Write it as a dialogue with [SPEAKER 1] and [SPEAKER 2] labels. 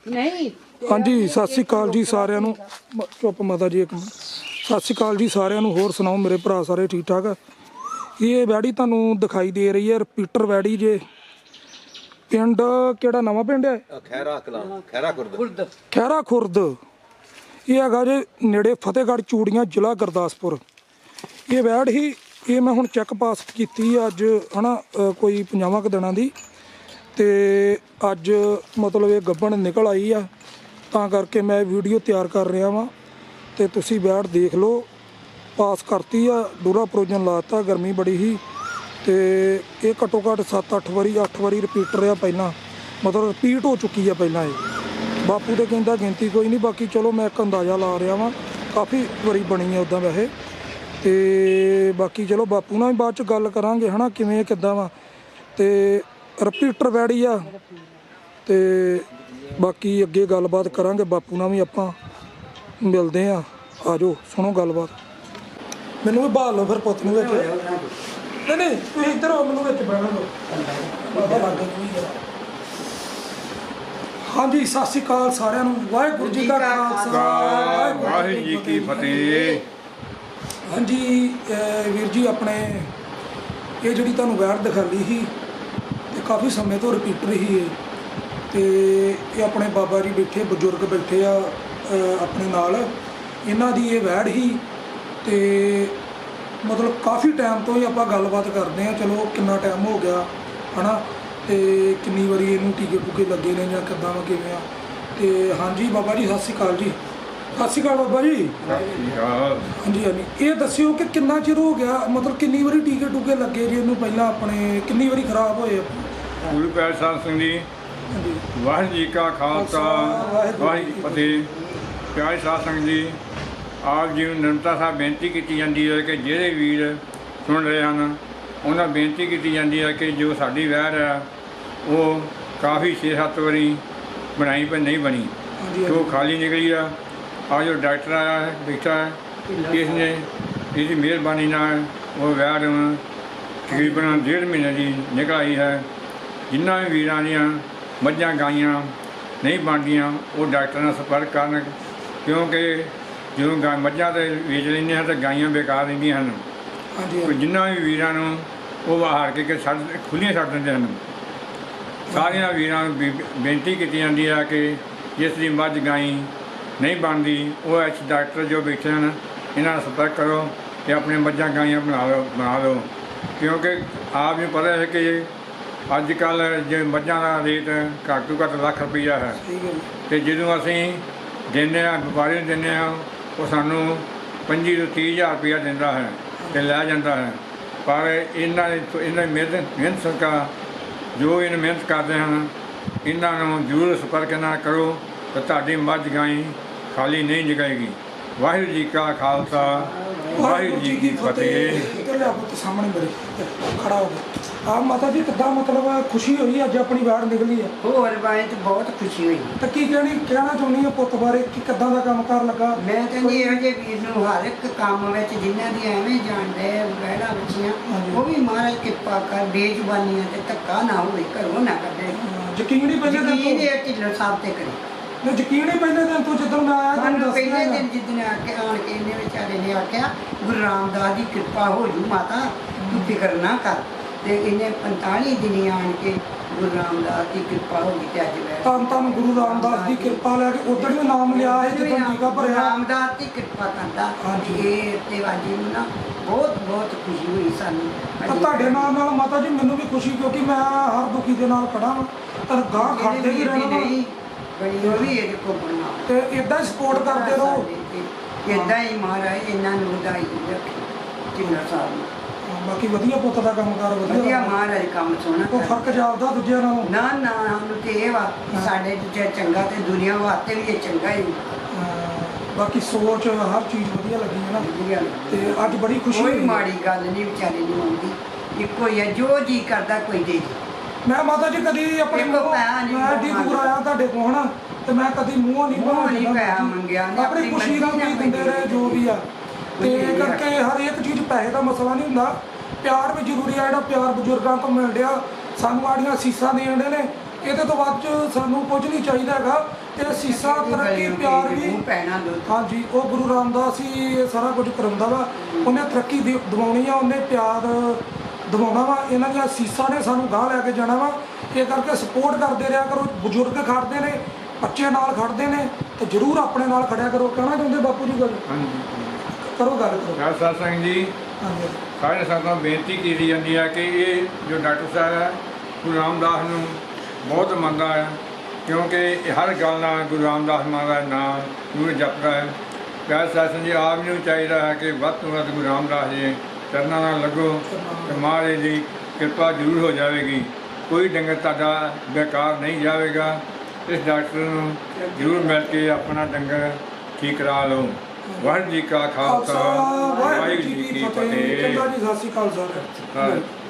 [SPEAKER 1] नहीं
[SPEAKER 2] हाँ जी सत श्री अकाल जी सारिਆਂ ਨੂੰ चुप माता जी एक मिनट सत श्री अकाल जी सारिਆਂ ਨੂੰ होर सुनाओ मेरे भरा सारे ठीक ठाक है। ये वैड़ी ਤੁਹਾਨੂੰ ਦਿਖਾਈ ਦੇ ਰਹੀ है रिपीटर वैड़ी जे पिंड ਕਿਹੜਾ ਨਵਾਂ ਪਿੰਡ ਹੈ ਖੈਰਾ ਖੁਰਦ ਇਹ ਹੈਗਾ ਜੇ ਨੇੜੇ ਫਤਿਹਗੜ੍ਹ ਚੂੜੀਆਂ ਜ਼ਿਲ੍ਹਾ ਗੁਰਦਾਸਪੁਰ। ਇਹ ਵੈੜ ਹੀ ਇਹ ਮੈਂ ਹੁਣ ਚੈੱਕ ਪਾਸ ਕੀਤੀ ਅੱਜ ਹਨਾ ਕੋਈ 50 ਕੁ ਦਿਨਾਂ ਦੀ ਤੇ ਅੱਜ ਮਤਲਬ ਇਹ ਗੱਭਣ ਨਿਕਲ ਆਈ ਆ ਤਾਂ ਕਰਕੇ ਮੈਂ ਵੀਡੀਓ ਤਿਆਰ ਕਰ ਰਿਹਾ ਵਾਂ ਤੇ ਤੁਸੀਂ ਵੈੜ ਦੇਖ ਲਓ। ਪਾਸ ਕਰਤੀ ਆ ਡੂਰਾ ਪ੍ਰੋਜਨ ਲਾਤਾ ਗਰਮੀ ਬੜੀ ਹੀ ਤੇ ਇਹ ਘੱਟੋ ਘੱਟ 7-8 ਵਾਰੀ 8 ਵਾਰੀ ਰਿਪੀਟਰ ਆ ਪਹਿਲਾਂ ਮਤਲਬ ਰਿਪੀਟ ਹੋ ਚੁੱਕੀ ਆ ਪਹਿਲਾਂ ਇਹ ਬਾਪੂ ਤੇ ਕਹਿੰਦਾ ਗਿਣਤੀ ਕੋਈ ਨਹੀਂ ਬਾਕੀ ਚਲੋ ਮੈਂ ਇੱਕ ਅੰਦਾਜ਼ਾ ਲਾ ਰਿਹਾ ਵਾਂ ਕਾਫੀ ਵਾਰੀ ਬਣੀ ਆ ਉੱਦਾਂ ਵੈਸੇ ਤੇ ਬਾਕੀ ਚਲੋ ਬਾਪੂ ਨਾਲ ਵੀ ਬਾਅਦ ਚ ਗੱਲ ਕਰਾਂਗੇ ਹਨਾ ਕਿਵੇਂ ਕਿੱਦਾਂ ਵਾ ਤੇ ਰਿਪੀਟਰ ਵੈੜੀ ਆ ਤੇ ਬਾਕੀ ਅੱਗੇ ਗੱਲਬਾਤ ਕਰਾਂਗੇ ਬਾਪੂ ਨਾਲ ਵੀ ਆਪਾਂ ਮਿਲਦੇ ਆ ਆਜੋ ਸੁਣੋ ਗੱਲਬਾਤ। ਮੈਨੂੰ ਵੀ ਬਾਹਰ ਲਓ ਫਿਰ ਪੁੱਤ ਨੂੰ ਵਿੱਚ ਨਹੀਂ ਤੁਸੀਂ ਇੱਧਰ ਆਓ ਮੈਨੂੰ ਵਿੱਚ ਬਹਿਣਾ ਲਓ ਬਾਬਾ ਲੱਗ ਗਿਆ। ਹਾਂਜੀ ਸਤਿ ਸ਼੍ਰੀ ਅਕਾਲ ਸਾਰਿਆਂ ਨੂੰ ਵਾਹਿਗੁਰੂ ਜੀ ਕਾ ਖਾਲਸਾ
[SPEAKER 3] ਵਾਹਿਗੁਰੂ ਜੀ ਕੀ ਫਤਿਹ।
[SPEAKER 2] ਹਾਂਜੀ ਵੀਰ ਜੀ ਆਪਣੇ ਇਹ ਜਿਹੜੀ ਤੁਹਾਨੂੰ ਵੈੜ ਦਿਖਾਲੀ ਸੀ ਤੇ ਕਾਫੀ ਸਮੇਂ ਤੋਂ ਰਿਪੀਟਰ ਹੀ ਹੈ ਤੇ ਇਹ ਆਪਣੇ ਬਾਬਾ ਜੀ ਬੈਠੇ ਬਜ਼ੁਰਗ ਬੈਠੇ ਆ ਆਪਣੇ ਨਾਲ ਇਹਨਾਂ ਦੀ ਇਹ ਵੈੜ ਹੀ ਤੇ ਮਤਲਬ ਕਾਫੀ ਟਾਈਮ ਤੋਂ ਹੀ ਆਪਾਂ ਗੱਲਬਾਤ ਕਰਦੇ ਆ ਚਲੋ ਕਿੰਨਾ ਟਾਈਮ ਹੋ ਗਿਆ ਹਨਾ ਤੇ ਕਿੰਨੀ ਵਾਰੀ ਇਹਨੂੰ ਟੀਕੇ ਟੂਕੇ ਲੱਗੇ ਨੇ ਜਾਂ ਕਿੱਦਾਂ ਵਾ ਕਿਵੇਂ ਆ ਤੇ ਹਾਂਜੀ ਬਾਬਾ ਜੀ ਸਤਿ ਸ਼੍ਰੀ ਅਕਾਲ ਜੀ। ਸਤਿ ਸ਼੍ਰੀ ਅਕਾਲ ਬਾਬਾ ਜੀ। ਹਾਂਜੀ ਹਾਂਜੀ ਇਹ ਦੱਸਿਓ ਕਿ ਕਿੰਨਾ ਚਿਰ ਹੋ ਗਿਆ ਮਤਲਬ ਕਿੰਨੀ ਵਾਰੀ ਟੀਕੇ ਟੂਕੇ ਲੱਗੇ ਜੀ ਇਹਨੂੰ ਪਹਿਲਾਂ ਆਪਣੇ ਕਿੰਨੀ ਵਾਰੀ ਖਰਾਬ ਹੋਏ
[SPEAKER 3] ਗੁਰੂ ਪਿਆਰੇ ਸਾਧ ਸੰਗਤ ਜੀ
[SPEAKER 2] ਹਾਂਜੀ
[SPEAKER 3] ਵਾਹਿਗੁਰੂ ਜੀ ਕਾ ਖਾਲਸਾ ਵਾਹਿਗੁਰੂ ਜੀ ਕੀ ਫਤਿਹ। ਪਿਆਰੇ ਸਾਧ ਸੰਗਤ ਜੀ ਆਪ ਜੀ ਨੂੰ ਨਿਰੰਤਰ ਸਾਹਿਬ ਬੇਨਤੀ ਕੀਤੀ ਜਾਂਦੀ ਹੈ ਕਿ ਜਿਹੜੇ ਵੀਰ ਸੁਣ ਰਹੇ ਹਨ ਉਹਨਾਂ ਬੇਨਤੀ ਕੀਤੀ ਜਾਂਦੀ ਹੈ ਕਿ ਜੋ ਸਾਡੀ ਵੈੜ ਹੈ ਉਹ ਕਾਫੀ 6-7 ਵਾਰੀ ਬਣਾਈ ਪਰ ਨਹੀਂ ਬਣੀ ਜੋ ਖਾਲੀ ਨਿਕਲੀ ਆ आज जो डॉक्टर आया है बैठा है इसने इसकी मेहरबानी ਨਾਲ ਉਹ ਵੈੜ ਤਕਰੀਬਨ 1.5 ਮਹੀਨੇ ਦੀ ਨਿਕਲ ਆਈ ਹੈ। ਜਿਨ੍ਹਾਂ ਵੀ ਵੀਰਾਂ ਦੀਆਂ ਮੱਝਾਂ ਗਾਈਆਂ ਨਹੀਂ ਬਣਦੀਆਂ ਉਹ ਡਾਕਟਰ ਨਾਲ ਸੰਪਰਕ ਕਰਨ ਕਿਉਂਕਿ ਜਦੋਂ ਮੱਝਾਂ ਤੇ ਵੇਚ ਲੈਂਦੇ ਹਾਂ ਤਾਂ ਗਾਈਆਂ ਬੇਕਾਰ ਰਹਿੰਦੀਆਂ ਹਨ। ਕੋਈ ਜਿਨ੍ਹਾਂ ਵੀ ਵੀਰਾਂ ਨੂੰ ਉਹ ਹਾਰ ਕੇ ਖੁੱਲ੍ਹੀਆਂ ਛੱਡ ਦਿੰਦੇ ਹਨ। ਸਾਰਿਆਂ ਵੀਰਾਂ ਨੂੰ ਬੇਨਤੀ ਕੀਤੀ ਜਾਂਦੀ ਹੈ ਕਿ ਜਿਸ ਦੀ ਮੱਝ ਗਾਈ ਨਹੀਂ ਬਣਦੀ ਉਹ ਡਾਕਟਰ ਜੋ ਬੈਠੇ ਹਨ ਇਹਨਾਂ ਨਾਲ ਸੰਪਰਕ ਕਰੋ ਅਤੇ ਆਪਣੀਆਂ ਮੱਝਾਂ ਗਾਈਆਂ ਬਣਾ ਲਓ ਕਿਉਂਕਿ ਆਪ ਨੂੰ ਪਤਾ ਹੈ ਕਿ ਅੱਜ ਕੱਲ੍ਹ ਜੇ ਮੱਝਾਂ ਦਾ ਰੇਟ ਘੱਟ ਤੋਂ ਘੱਟ ਲੱਖ ਰੁਪਈਆ ਹੈ ਅਤੇ ਜਦੋਂ ਅਸੀਂ ਦਿੰਦੇ ਹਾਂ ਵਪਾਰੀ ਨੂੰ ਦਿੰਦੇ ਹਾਂ ਉਹ ਸਾਨੂੰ 25 ਤੋਂ 30 ਹਜ਼ਾਰ ਰੁਪਈਆ ਦਿੰਦਾ ਹੈ ਅਤੇ ਲੈ ਜਾਂਦਾ ਹੈ। ਪਰ ਇਹਨਾਂ ਮਿਹਨਤ ਸਰਕਾਰ ਜੋ ਇਹਨਾਂ ਮਿਹਨਤ ਕਰਦੇ ਹਨ ਇਹਨਾਂ ਨੂੰ ਜ਼ਰੂਰ ਸੰਪਰਕ ਨਾਲ ਕਰੋ ਤਾਂ ਤੁਹਾਡੀ ਮੱਝ ਗਾਈ ਖਾਲੀ ਨਹੀਂ ਨਿਕਲੇਗੀ। ਵਾਹਿਗੁਰੂ ਜੀ ਕਾ ਖਾਲਸਾ ਵਾਹਿਗੁਰੂ ਜੀ ਕੀ ਫਤਿਹ।
[SPEAKER 2] ਸਾਹਮਣੇ ਮੇਰੇ ਖੜਾ ਹੋ ਗਿਆ ਆ ਮਾਤਾ ਜੀ ਕਿੱਦਾਂ ਮਤਲਬ ਖੁਸ਼ੀ ਹੋਈ ਅੱਜ ਆਪਣੀ ਵੈੜ ਨਿਕਲੀ ਆ
[SPEAKER 1] ਹੋਰ ਬਾਰੇ ਤੇ ਬਹੁਤ ਖੁਸ਼ੀ ਹੋਈ।
[SPEAKER 2] ਤਾਂ ਕੀ ਕਹਿਣਾ ਚਾਹੁੰਦੀ ਆ ਪੁੱਤ ਬਾਰੇ ਕਿ ਕਿੱਦਾਂ ਦਾ ਕੰਮ ਕਾਰ ਲੱਗਾ।
[SPEAKER 1] ਮੈਂ ਕਹਿੰਦੀ ਇਹੋ ਜਿਹੇ ਵੀਰ ਨੂੰ ਹਰ ਇੱਕ ਕੰਮ ਵਿੱਚ ਜਿਨ੍ਹਾਂ ਦੀ ਐਵੇਂ ਜਾਣਦੇ ਵੈੜਾਂ ਬੱਚੀਆਂ ਉਹ ਵੀ ਮਹਾਰਾਜ ਕਿਰਪਾ ਕਰ ਬੇਜ਼ੁਬਾਨੀਆਂ ਤੇ ਧੱਕਾ ਨਾ ਹੋਵੇ ਘਰੋਂ ਨਾ ਕੱਢੇ
[SPEAKER 2] ਯਕੀਨ ਹੀ ਪਹਿਲੇ ਦਿਨ ਤੋਂ
[SPEAKER 1] ਢਿੱਲੋਂ ਸਾਹਿਬ ਤੇ ਕਰੇ
[SPEAKER 2] ਮੈਂ ਯਕੀਨ ਹੀ ਪਹਿਲੇ ਦਿਨ ਤੋਂ ਜਦੋਂ ਮੈਂ ਆਇਆ
[SPEAKER 1] ਤੁਹਾਨੂੰ ਪਹਿਲੇ ਦਿਨ ਜਿੱਦਣ ਆ ਕੇ ਆਣ ਕੇ ਇਹਨੇ ਵਿਚਾਰੇ ਨੇ ਆਖਿਆ ਗੁਰੂ ਰਾਮਦਾਸ ਦੀ ਕਿਰਪਾ ਹੋ ਜੂ ਮਾਤਾ ਤੂੰ ਫਿਕਰ ਨਾ ਕਰ ਤੇ ਇਹਨੇ 45 ਦਿਨ ਆਣ ਕੇ ਗੁਰੂ ਰਾਮਦਾਸ ਦੀ ਕਿਰਪਾ ਹੋ ਗਈ ਤੇ ਅੱਜ ਮੈਂ
[SPEAKER 2] ਤਾਂ ਗੁਰੂ ਰਾਮਦਾਸ ਦੀ ਕਿਰਪਾ ਲੈ ਕੇ ਉਦੋਂ ਵੀ ਨਾਮ ਲਿਆ ਹੈ ਜਦੋਂ ਟੀਕਾ ਭਰਿਆ
[SPEAKER 1] ਰਾਮਦਾਸ ਦੀ ਕਿਰਪਾ ਕਰਦਾ ਇਹ ਤੇ ਵਾਜੀ ਨੂੰ ਨਾ ਬਹੁਤ ਬਹੁਤ ਖੁਸ਼ੀ ਹੋਈ ਸਾਨੂੰ।
[SPEAKER 2] ਤਾਂ ਤੁਹਾਡੇ ਨਾਲ ਮਾਤਾ ਜੀ ਮੈਨੂੰ ਵੀ ਖੁਸ਼ੀ ਕਿਉਂਕਿ ਮੈਂ ਹਰ ਦੁਖੀ ਦੇ ਨਾਲ ਖੜਾ ਵਾਂ ਤਾਂ ਗਾਹ ਖੜਦੇ ਵੀ ਰਹਿਣਾ
[SPEAKER 1] ਬੜੀ ਉਹ ਵੀ ਇਹਦੇ ਕੋਲ ਬਣਾ
[SPEAKER 2] ਤੇ ਇਦਾਂ ਹੀ ਸਪੋਰਟ ਕਰਦੇ ਰਹੋ
[SPEAKER 1] ਇਦਾਂ ਹੀ ਮਹਾਰਾਜ ਇਹਨਾਂ ਨੂੰ ਵਧਾਈ ਰੱਖੇ ਜਿੰਨਾ ਸਾਹਿਬ
[SPEAKER 2] ਬਾਕੀ ਵਧੀਆ ਪੁੱਤ ਦਾ ਕੰਮਕਾਰ
[SPEAKER 1] ਵਧੀਆ ਮਹਾਰਾਜ ਕੰਮ ਸੋਹਣਾ
[SPEAKER 2] ਕੋਈ ਫਰਕ ਜਾਪਦਾ ਦੂਜਿਆਂ ਨਾਲੋਂ
[SPEAKER 1] ਨਾ ਨਾ ਸਾਨੂੰ ਤੇ ਇਹ ਵਾ ਸਾਡੇ ਦੂਜਾ ਚੰਗਾ ਤੇ ਦੁਨੀਆ ਵਾਸਤੇ ਵੀ ਇਹ ਚੰਗਾ ਹੀ
[SPEAKER 2] ਬਾਕੀ ਸੋਚ ਹਰ ਚੀਜ਼ ਵਧੀਆ ਲੱਗੀ ਹੈ ਨਾ
[SPEAKER 1] ਵਧੀਆ
[SPEAKER 2] ਤੇ ਅੱਜ ਬੜੀ ਖੁਸ਼ੀ
[SPEAKER 1] ਕੋਈ ਮਾੜੀ ਗੱਲ ਨਹੀਂ ਵਿਚਾਰੇ ਨੂੰ ਆਉਂਦੀ ਇੱਕੋ ਹੀ ਹੈ ਜੋ ਜੀ ਕਰਦਾ ਕੋਈ ਦੇ
[SPEAKER 2] ਮੈਂ ਮਾਤਾ ਜੀ ਕਦੀ ਆਪਣੇ ਮੈਂ ਏਡੀ ਦੂਰ ਆਇਆ ਤੁਹਾਡੇ ਕੋਲ ਹਨਾ ਤੇ ਮੈਂ ਕਦੀ ਮੂੰਹ ਨਹੀਂ
[SPEAKER 1] ਮੰਗਿਆ
[SPEAKER 2] ਆਪਣੀ ਖੁਸ਼ੀ ਨਾਲ ਵੀ ਦਿੰਦੇ ਰਹੇ ਜੋ ਵੀ ਆ ਤੇ ਕਰਕੇ ਹਰ ਇੱਕ ਚੀਜ਼ ਪੈਸੇ ਦਾ ਮਸਲਾ ਨਹੀਂ ਹੁੰਦਾ ਪਿਆਰ ਵੀ ਜ਼ਰੂਰੀ ਆ ਜਿਹੜਾ ਪਿਆਰ ਬਜ਼ੁਰਗਾਂ ਤੋਂ ਮਿਲ ਰਿਹਾ ਸਾਨੂੰ ਆੜੀਆਂ ਸੀਸਾਂ ਦੇਣ ਦੇ ਨੇ ਇਹਦੇ ਤੋਂ ਵੱਧ ਸਾਨੂੰ ਕੁਝ ਨਹੀਂ ਚਾਹੀਦਾ ਹੈਗਾ। ਤੇ ਸੀਸਾ ਤਰੱਕੀ ਪਿਆਰ ਵੀ
[SPEAKER 1] ਪੈਣਾ ਦੁੱਧ
[SPEAKER 2] ਹਾਂਜੀ, ਉਹ ਗੁਰੂ ਰਾਮਦਾਸ ਹੀ ਇਹ ਸਾਰਾ ਕੁਝ ਕਰਾਉਂਦਾ ਵਾ। ਉਹਨੇ ਤਰੱਕੀ ਦਿਵਾਉਣੀ ਆ, ਉਹਨੇ ਪਿਆਰ ਦਿਵਾਉਣਾ ਵਾ। ਇਹਨਾਂ ਦੀਆਂ ਸੀਸਾਂ ਨੇ ਸਾਨੂੰ ਗਾਂਹ ਲੈ ਕੇ ਜਾਣਾ ਵਾ। ਇਹ ਕਰਕੇ ਸਪੋਰਟ ਕਰਦੇ ਰਿਹਾ ਕਰੋ। ਬਜ਼ੁਰਗ ਖੜਦੇ ਨੇ, ਬੱਚੇ ਨਾਲ ਖੜਦੇ ਨੇ, ਤੇ ਜ਼ਰੂਰ ਆਪਣੇ ਨਾਲ ਖੜਿਆ ਕਰੋ। ਕਹਿਣਾ ਚਾਹੁੰਦੇ ਬਾਪੂ ਜੀ ਗੱਲ?
[SPEAKER 3] ਹਾਂਜੀ
[SPEAKER 2] ਕਰੋ ਗੱਲ ਕਰੋ।
[SPEAKER 3] ਖਾਲਸਾ ਸਿੰਘ ਜੀ,
[SPEAKER 2] ਹਾਂਜੀ
[SPEAKER 3] ਸਾਰੇ ਸੰਗਤਾਂ ਨੂੰ ਬੇਨਤੀ ਕੀਤੀ ਜਾਂਦੀ ਹੈ ਕਿ ਇਹ ਜੋ ਡਾਕਟਰ ਸਾਹਿਬ ਹੈ ਗੁਰੂ ਰਾਮਦਾਸ ਨੂੰ ਬਹੁਤ ਮੰਨਦਾ ਹੈ, ਕਿਉਂਕਿ ਇਹ ਹਰ ਗੱਲ ਨਾਲ ਗੁਰੂ ਰਾਮਦਾਸ ਮਹਾਰਾਜ ਦਾ ਨਾਮ ਨੂੰ ਜਪਦਾ ਹੈ। ਖਾਲਸਾ ਸਿੰਘ ਜੀ ਆਪ ਨੂੰ ਚਾਹੀਦਾ ਹੈ ਕਿ ਵੱਧ ਤੋਂ ਵੱਧ ਗੁਰੂ ਰਾਮਦਾਸ ਜੀ ਚਰਨਾਂ ਨਾਲ ਲੱਗੋ ਤੇ ਮਹਾਰਾਜ ਦੀ ਕਿਰਪਾ ਜ਼ਰੂਰ ਹੋ ਜਾਵੇਗੀ। ਕੋਈ ਡੰਗਰ ਤੁਹਾਡਾ ਬੇਕਾਰ ਨਹੀਂ ਜਾਵੇਗਾ। ਇਸ ਡਾਕਟਰ ਨੂੰ ਜ਼ਰੂਰ ਮਿਲ ਕੇ ਆਪਣਾ ਡੰਗਰ ਠੀਕ ਕਰਾ ਲਓ। ਵਾਹਿਗੁਰੂ ਜੀ ਕਾ ਖਾਲਸਾ, ਵਾਹਿਗੁਰੂ ਜੀ ਕੀ ਫਤਿਹ।
[SPEAKER 2] ਚੰਗਾ ਜੀ, ਸਤਿ ਸ਼੍ਰੀ ਅਕਾਲ ਸਰ।